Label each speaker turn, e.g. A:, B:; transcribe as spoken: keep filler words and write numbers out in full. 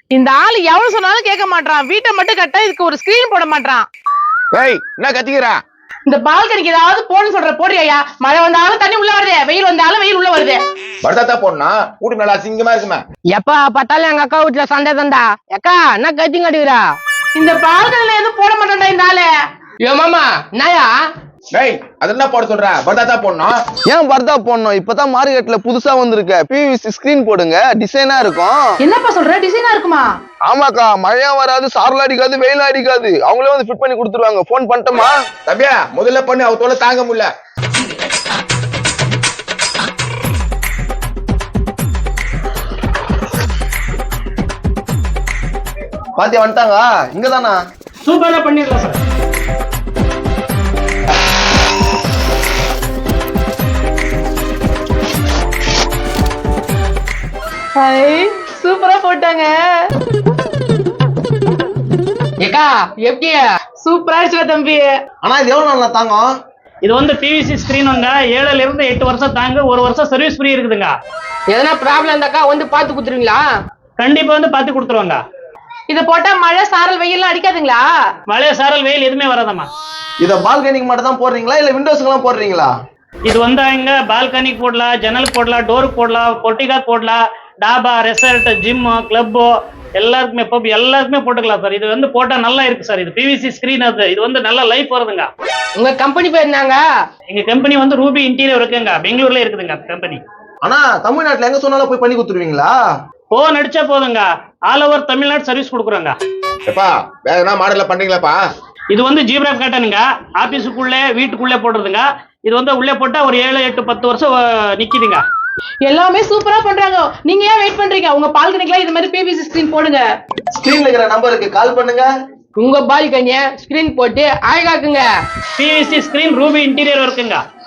A: இந்த ஆளு எவ்வளவு சொன்னாலும் கேட்க மாட்டான். வீட்டை மட்டும் கட்ட இதுக்கு ஒரு ஸ்கிரீன் போட மாட்டான்.
B: ஏய் என்ன கத்திக்கிறா?
A: இந்த பால்கனிக்கு ஏதாவது போன்னு சொல்ற போடுறியா? மழை வந்தாலும் தண்ணி உள்ள வருது, வெயில் வந்தாலும் வெயில் உள்ள வருது.
B: படுத்தாத்தா போடனா வீட்டு நல்லா அசிங்கமா இருக்குமே.
C: எப்பா பார்த்தாலும் எங்க அக்கா வீட்டுல சண்டை தந்தா. அக்கா என்ன கத்தி கட்டுக்கிறா?
A: இந்த பால்கனில எதுவும் போட மாட்டான்டா இந்த ஆளு.
C: யோ மாமா என்னயா?
B: டேய் அது என்ன போட சொல்ற? படுத்தாத்தா போடணும்.
D: ஏன் பர்தா போடணும்? இப்பதான் மார்க்கெட்ல புதுசா வந்திருக்க பிவிசி ஸ்கிரீன் போடுங்க, டிசைனா இருக்கும்.
A: என்னப்பா சொல்ற? டிசைனா இருக்குமா?
D: ஆமாக்கா, மழையும் வராது, சாரல் அடிக்காது, வெயில் அடிக்காது. அவங்களே வந்து ஃபிட் பண்ணி கொடுத்துருவாங்க. போன் பண்ணிட்டோமா?
B: தம்பியா முதல்ல பண்ணி அவ தோல தாங்க முடியல.
D: பாத்தியா வந்துட்டாங்க. இங்கதானா?
E: சூப்பரா பண்ணிடலாம் சார்.
A: சூப்பரா போட்டாங்க.
C: ஏக்கா எப்படி?
A: சூப்பரா இருச்சு தம்பி.
D: ஆனா இது எவ்வளவு நல்லா தாங்கும்?
E: இது வந்து பிவிசி ஸ்கிரீன் வந்து ஏழுல இருந்து எட்டு வருஷம் தாங்க, ஒரு வருஷம் சர்வீஸ் ஃப்ரீ இருக்குதுங்க.
C: எதனா ப்ராப்ளம் இருந்தாக்கா வந்து பாத்து குடுத்துருவீங்களா?
E: கண்டிப்பா வந்து பார்த்து கொடுத்துருவாங்க.
A: இத போட்டா மழை சாரல் வெயில்லாம் அடிக்காதுங்களா?
E: மழை சாரல் வெயில் எதுவுமே வராதம்மா.
D: இத பால்கனிக்கு மட்டும் தான் போடுறீங்களா இல்ல விண்டோஸ்க்கு எல்லாம் போடுறீங்களா?
E: இது வந்து இங்க பால்கனிக்கு போடலாம், ஜன்னல் போடலாம், டோருக்கு போடலாம், பொட்டிகா போடலாம், டாபா, ரெசார்ட், ஜிம், கிளப் எல்லாருக்குமே பப் எல்லாருக்குமே போட்டுக்கலாம் சார். இது வந்து போட்டா நல்லா இருக்கு சார். இது பிவிசி ஸ்கிரீன், அது இது வந்து நல்ல லைஃப் வருதுங்க.
C: உங்க கம்பெனி பேர் என்னங்க?
E: எங்க கம்பெனி வந்து ரூபி இன்டீரியர் இருக்குங்க, பெங்களூர்ல இருக்குதுங்க கம்பெனி.
D: ஆனா தமிழ்நாட்டுல எங்க சொன்னாலும் போய் பண்ணி கொடுத்துருவீங்களா?
E: போன் அடிச்சா போதுங்க, ஆல் ஓவர் தமிழ்நாடு சர்வீஸ் கொடுக்குறோங்க.
B: எப்பா வேற என்ன மாடல்ல பண்றீங்களாப்பா?
E: இது வந்து ஜீப்ரா காட்டனுங்க, ஆபீஸுக்குள்ளே வீட்டுக்குள்ளே போடுறதுங்க. இது வந்து உள்ளே போட்டா ஒரு ஏழு எட்டு பத்து வருஷம் நிக்குதுங்க.
A: எல்லாமே சூப்பரா பண்றாங்க. நீங்க ஏன் வெயிட் பண்றீங்க? உங்க பால்கனிக்குலாம் இது மாதிரி பிவிசி ஸ்கிரீன் போடுங்க.
D: ஸ்கிரீன்ல இருக்கிற நம்பருக்கு கால் பண்ணுங்க.
C: உங்க பால்கனிய ஸ்கிரீன் போட்டு அழகாக்குங்க.
E: பிவிசி ஸ்கிரீன் ரூபி இன்டீரியர் இருக்குங்க.